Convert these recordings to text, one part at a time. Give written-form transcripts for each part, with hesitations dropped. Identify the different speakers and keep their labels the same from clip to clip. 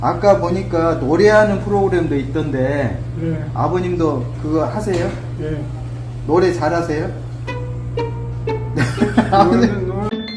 Speaker 1: 아까 보니까 노래하는 프로그램도 있던데
Speaker 2: 네.
Speaker 1: 아버님도 그거 하세요?
Speaker 2: 네.
Speaker 1: 노래 잘하세요? 아버님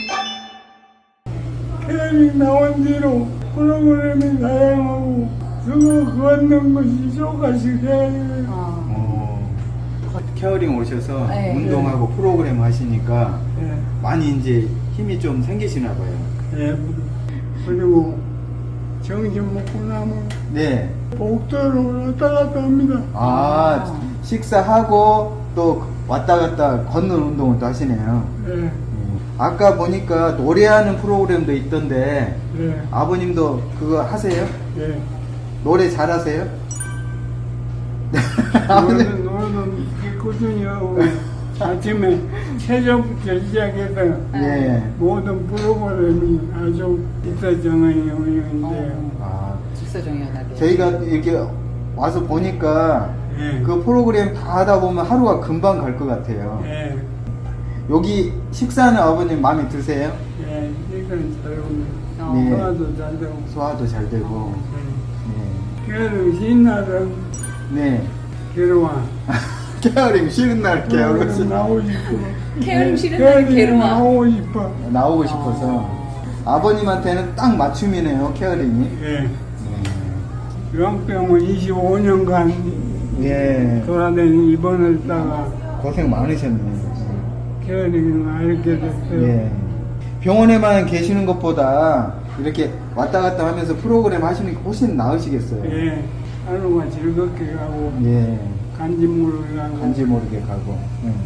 Speaker 2: 케이블 나온 뒤로 프로그램이 다양하고 그거 걷는 것이 조금씩 해야 돼요.
Speaker 1: 케어링 오셔서
Speaker 3: 네.
Speaker 1: 운동하고 프로그램 하시니까
Speaker 2: 네.
Speaker 1: 많이 이제 힘이 좀 생기시나 봐요.
Speaker 2: 네. 그리고 점심 먹고 나면
Speaker 1: 네.
Speaker 2: 복도로 왔다 갔다 합니다.
Speaker 1: 아, 식사하고 또 왔다 갔다 걷는 운동을 또 하시네요.
Speaker 2: 네.
Speaker 1: 아까 보니까 노래하는 프로그램도 있던데
Speaker 2: 네.
Speaker 1: 아버님도 그거 하세요?
Speaker 2: 네.
Speaker 1: 노래 잘하세요?
Speaker 2: 노래는 꾸준히 하고 아침에 새벽부터 시작해서
Speaker 1: 예.
Speaker 2: 모든 프로그램이 아주 일사정연인데요.
Speaker 1: 아,
Speaker 3: 직사정연하게.
Speaker 1: 저희가 이렇게 와서 보니까
Speaker 2: 예.
Speaker 1: 그 프로그램 다 하다 보면 하루가 금방 갈 것 같아요.
Speaker 2: 예.
Speaker 1: 여기 식사는 아버님 마음에 드세요?
Speaker 2: 예. 이건 잘 오네.
Speaker 1: 네.
Speaker 2: 소화도 잘 되고.
Speaker 1: 소화도 잘 되고.
Speaker 2: 게으름 쉬는 날은
Speaker 1: 네.
Speaker 2: 괴로워.
Speaker 1: 케어링 쉬는 날 케어링
Speaker 2: 나오고 싶어.
Speaker 3: 케어링 싫은 날은 괴로워.
Speaker 2: 나오고 싶어.
Speaker 1: 나오고 싶어서 아버님한테는 딱 맞춤이네요, 케어링이.
Speaker 2: 예. 요양병원 25년간
Speaker 1: 예.
Speaker 2: 돌아다니는 입원을 했다가
Speaker 1: 고생 많으셨네요.
Speaker 2: 케어링을 알게 됐어요.
Speaker 1: 예. 병원에만 계시는 것보다 이렇게 왔다 갔다 하면서 프로그램 하시는 게 훨씬 나으시겠어요.
Speaker 2: 예. 하루가 즐겁게 가고
Speaker 1: 예.
Speaker 2: 간지 모르게 가고.
Speaker 1: 간지 모르게 가고.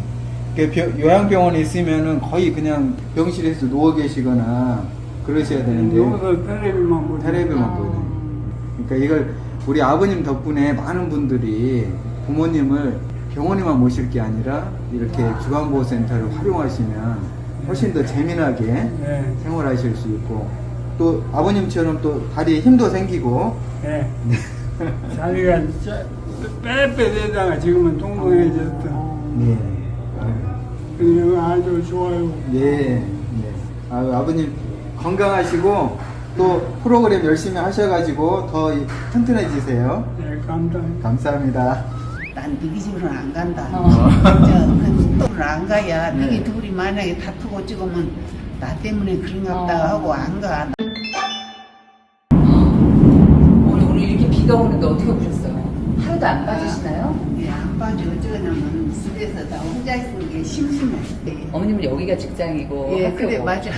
Speaker 1: 요양병원에 있으면은 거의 그냥 병실에서 누워 계시거나 그러셔야 되는데
Speaker 2: 누워서 텔레비만 보죠.
Speaker 1: 텔레비만 보거든요. 그러니까 이걸 우리 아버님 덕분에 많은 분들이 부모님을 병원에만 모실 게 아니라 이렇게 주간보호센터를 활용하시면 훨씬 더 재미나게
Speaker 2: 네.
Speaker 1: 생활하실 수 있고 또 아버님처럼 또 다리에 힘도 생기고
Speaker 2: 네. 자기가 빼빼대다가 지금은 통통해졌어.
Speaker 1: 네.
Speaker 2: 그냥 아주 좋아요.
Speaker 1: 네. 아버님 건강하시고 또 프로그램 열심히 하셔가지고 더 튼튼해지세요.
Speaker 2: 네, 감사합니다.
Speaker 1: 감사합니다.
Speaker 4: 난 너희 집으로는 안 간다. 또는 안 가야 너희 둘이 만약에 다투고 찍으면 나 때문에 그런갑다 하고 안 가.
Speaker 3: 오늘 이렇게 비가 오는데 어떻게 보셨어요? 하루도 안 빠지시나요?
Speaker 4: 예, 안 빠져. 어쩌냐면 집에서 나 혼자 있는 게 심심해. 예,
Speaker 3: 어머님은 여기가 직장이고
Speaker 4: 예,
Speaker 3: 학교고.
Speaker 4: 그래 맞아.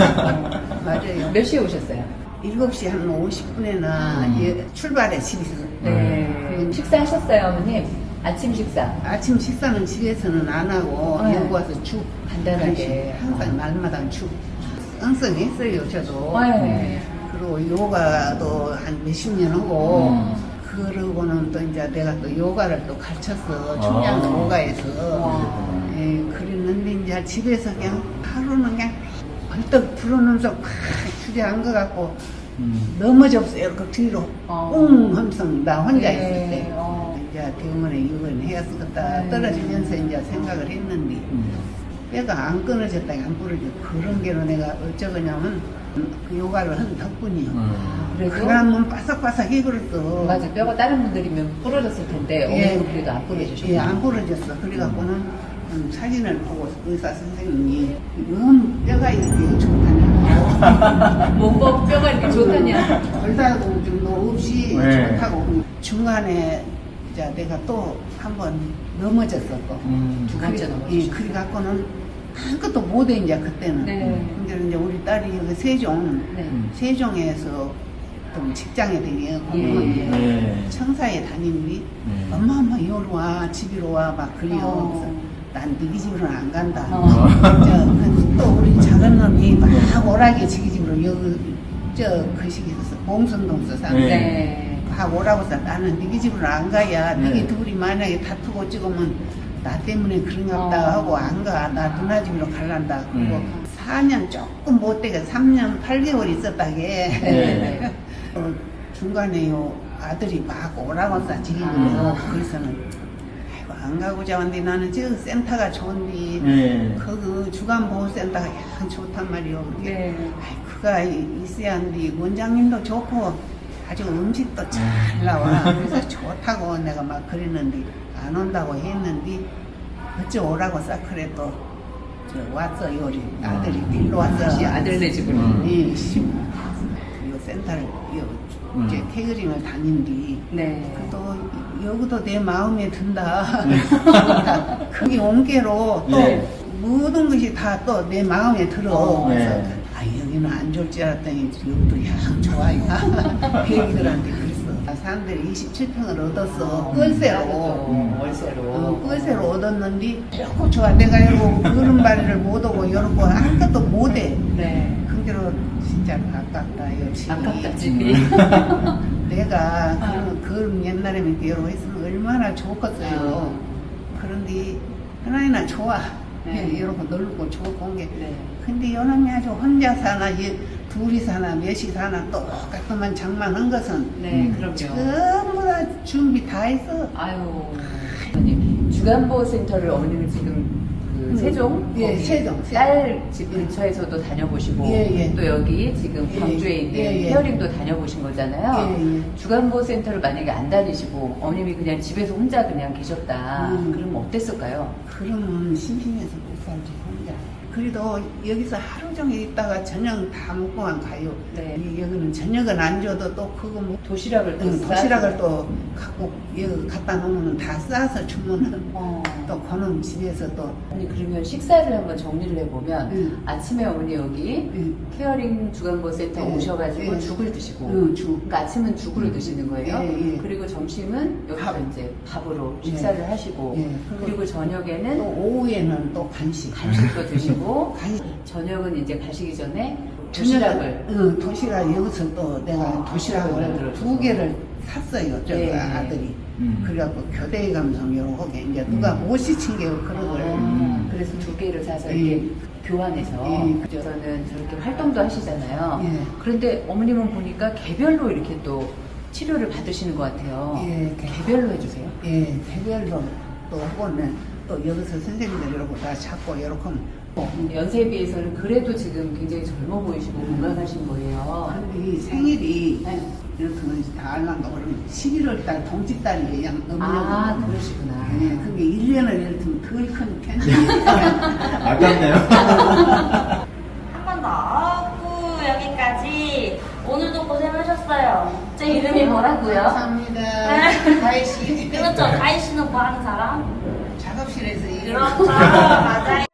Speaker 4: 맞아요.
Speaker 3: 몇 시에 오셨어요?
Speaker 4: 7시 한 50분에나 예, 출발해 집에서.
Speaker 3: 네. 식사하셨어요, 어머님? 아침 식사.
Speaker 4: 아침 식사는 집에서는 안 하고
Speaker 3: 네.
Speaker 4: 여기 와서 죽
Speaker 3: 간단하게.
Speaker 4: 항상 날마다 죽 항상 했어요 저도.
Speaker 3: 네.
Speaker 4: 그리고 요가도 한 몇십 년 하고 그러고는 또 이제 내가 또 요가를 또 가르쳤어 충양 요가에서. 예, 그랬는데 이제 집에서 그냥 하루는 그냥 벌떡 불어넣으면서 팍 주저앉은 것 같고 넘어졌어요 그 뒤로 웅 하면서 나 혼자 있을 때 이제 병원에 입원해야겠다 떨어지면서 이제 생각을 했는데 뼈가 안 끊어졌다 안 부러져 그런 게로 내가 어쩌냐면 그 요가를 한 덕분이요.
Speaker 3: 그래도
Speaker 4: 그러면 바삭바삭 해버렸어.
Speaker 3: 맞아, 뼈가 다른 분들이면 부러졌을 텐데 어머님은 그래도 안 부러지셨어요.
Speaker 4: 예, 안 부러졌어. 그래갖고는 사진을 보고 의사 선생님이 이건 뼈가 이렇게 좋다냐.
Speaker 3: 몸법 뼈가 이렇게 좋다냐.
Speaker 4: 골다공증도 없이
Speaker 1: 네.
Speaker 4: 좋다고. 중간에 이제 내가 또 한 번 넘어졌었고.
Speaker 3: 두 번째 넘어지셨어요.
Speaker 4: 예, 그래갖고는 아무것도 못해 이제 그때는.
Speaker 3: 네.
Speaker 4: 근데 이제 우리 딸이 여기 세종,
Speaker 3: 네.
Speaker 4: 세종에서 좀 직장에 되게
Speaker 3: 예.
Speaker 1: 네.
Speaker 4: 청사에 다니는데 엄마 여기로 와 집으로 와 막 그래요. 그래서 난 너희 집으로는 안 간다. 또 우리 작은 놈이 막 오라게 지기 집으로 여기 그 시기에서 봉선동서 사는데
Speaker 3: 네.
Speaker 4: 막 오라고 해서 나는 너희 집으로 안 가야 너희 둘이 만약에 다투고 찍으면 나 때문에 그런갑다 하고 안 가. 나 누나 집으로 갈란다. 그리고 4년 조금 못 되게 3년 8개월 있었다게.
Speaker 3: 네.
Speaker 4: 중간에 요 아들이 막 오라고 해서 지기고요. 그래서는 아이고 안 가고자 하는데 나는 저 센터가 좋은데 그 주간보호센터가 양 좋단 말이요.
Speaker 3: 네.
Speaker 4: 아이 그가 있어야 하는데 원장님도 좋고 아주 음식도 잘 나와. 그래서 좋다고 내가 막 그랬는데 안 온다고 했는데 어째 오라고 싹 그래 또 저 왔어 요리 아들이 딜로 왔어.
Speaker 3: 다시 아들네 집으로.
Speaker 4: 예, 이 센터를 이제 케어링을 다닌 뒤
Speaker 3: 네.
Speaker 4: 또 여기도 내 마음에 든다. 거기 온게로 또
Speaker 1: 네.
Speaker 4: 모든 것이 다 또 내 마음에 들어.
Speaker 1: 네.
Speaker 4: 그래서 아 여기는 안 좋을 줄 알았더니 여기도 야 좋아요. 배기들한테 그랬어. 사람들이 27평을 얻었어. 월세로.
Speaker 3: 월세로.
Speaker 4: 월세로 얻었는데 조금 좋아. 내가 이러고 걸음발이를 못 오고 이러고 할 것도 못해.
Speaker 3: 네.
Speaker 4: 그대로 진짜 아깝다 이 집이.
Speaker 3: 아깝다 집이.
Speaker 4: 내가 그 옛날에 여러 했으면 얼마나 좋겠어요. 그런데 하나이나 좋아.
Speaker 3: 네.
Speaker 4: 이렇게 넓고 좋고 온 게.
Speaker 3: 네.
Speaker 4: 근데 요놈이 아주 혼자 사나 둘이 사나 몇이 사나 똑같은 장만한 것은
Speaker 3: 네, 그럼요.
Speaker 4: 전부 다 준비 다 했어.
Speaker 3: 아유, 어머님 주간보호센터를 어머님은 지금 그 세종,
Speaker 4: 예,
Speaker 3: 거기
Speaker 4: 세종.
Speaker 3: 딸 집 근처에서도 다녀보시고
Speaker 4: 예, 예.
Speaker 3: 또 여기 지금
Speaker 4: 예,
Speaker 3: 광주에 있는
Speaker 4: 예, 예.
Speaker 3: 케어링도 다녀보신 거잖아요.
Speaker 4: 예, 예.
Speaker 3: 주간보호센터를 만약에 안 다니시고 어머님이 그냥 집에서 혼자 그냥 계셨다. 그러면 어땠을까요?
Speaker 4: 그러면 심심해서 못 살지 혼자. 그래도 여기서 하루 종일 있다가 저녁 다 먹고만 가요.
Speaker 3: 네.
Speaker 4: 여기는 저녁은 안 줘도 또 그거 뭐
Speaker 3: 도시락을 또
Speaker 4: 도시락을 또 갖고 여기 갖다 놓으면 다 싸서 주면은
Speaker 3: 어.
Speaker 4: 또 그놈 집에서 또
Speaker 3: 어머니 그러면 식사를 한번 정리를 해보면
Speaker 4: 응.
Speaker 3: 아침에 어머니 여기
Speaker 4: 응.
Speaker 3: 케어링 주간보호센터
Speaker 4: 예,
Speaker 3: 오셔가지고
Speaker 4: 예.
Speaker 3: 죽을 드시고
Speaker 4: 응, 죽.
Speaker 3: 그러니까 아침은 죽으로 드시는 거예요.
Speaker 4: 예, 예.
Speaker 3: 그리고 점심은 여기서
Speaker 4: 밥.
Speaker 3: 이제 밥으로
Speaker 4: 예.
Speaker 3: 식사를 하시고
Speaker 4: 예.
Speaker 3: 그리고
Speaker 4: 또
Speaker 3: 저녁에는
Speaker 4: 오후에는 또 간식.
Speaker 3: 간식도 드시고
Speaker 4: 간식.
Speaker 3: 저녁은 이제 가시기 전에 도시락을
Speaker 4: 응, 도시락 여기서 또 내가 도시락을
Speaker 3: 만들어줘서.
Speaker 4: 2개를 샀어요. 저
Speaker 3: 예, 예.
Speaker 4: 아들이.
Speaker 1: 음.
Speaker 4: 그래갖고 교대 감성 요렇게 이제 누가 못 시킨 게 그런 걸.
Speaker 3: 그래서 2개를 사서
Speaker 4: 예.
Speaker 3: 이렇게 교환해서
Speaker 4: 예.
Speaker 3: 저는 저렇게 활동도 하시잖아요.
Speaker 4: 예.
Speaker 3: 그런데 어머님은 보니까 개별로 이렇게 또 치료를 받으시는 것 같아요.
Speaker 4: 예,
Speaker 3: 개별로 해주세요.
Speaker 4: 예, 개별로 또 하고는 또 여기서 선생님들 이러고 다 찾고 이렇게 하면
Speaker 3: 연세에 비해서는 그래도 지금 굉장히 젊어 보이시고 건강하신 거예요.
Speaker 4: 근데 이 생일이
Speaker 3: 네.
Speaker 4: 이렇게 다 알란가 그러면 11월 달 동짓달이 그냥
Speaker 3: 아,
Speaker 4: 음력.
Speaker 3: 그러시구나.
Speaker 4: 예, 그게 1년을 이렇게 덜 큰 편지.
Speaker 1: 아깝네요.
Speaker 5: 한 번 더. 아이고, 여기까지. 오늘도 고생하셨어요. 제 이름이 뭐라고요?
Speaker 4: 감사합니다. 가희 씨.
Speaker 5: 그렇죠. 가희 씨는 뭐 하는 사람?
Speaker 4: 작업실에서 일을
Speaker 5: 그렇죠. 맞아요.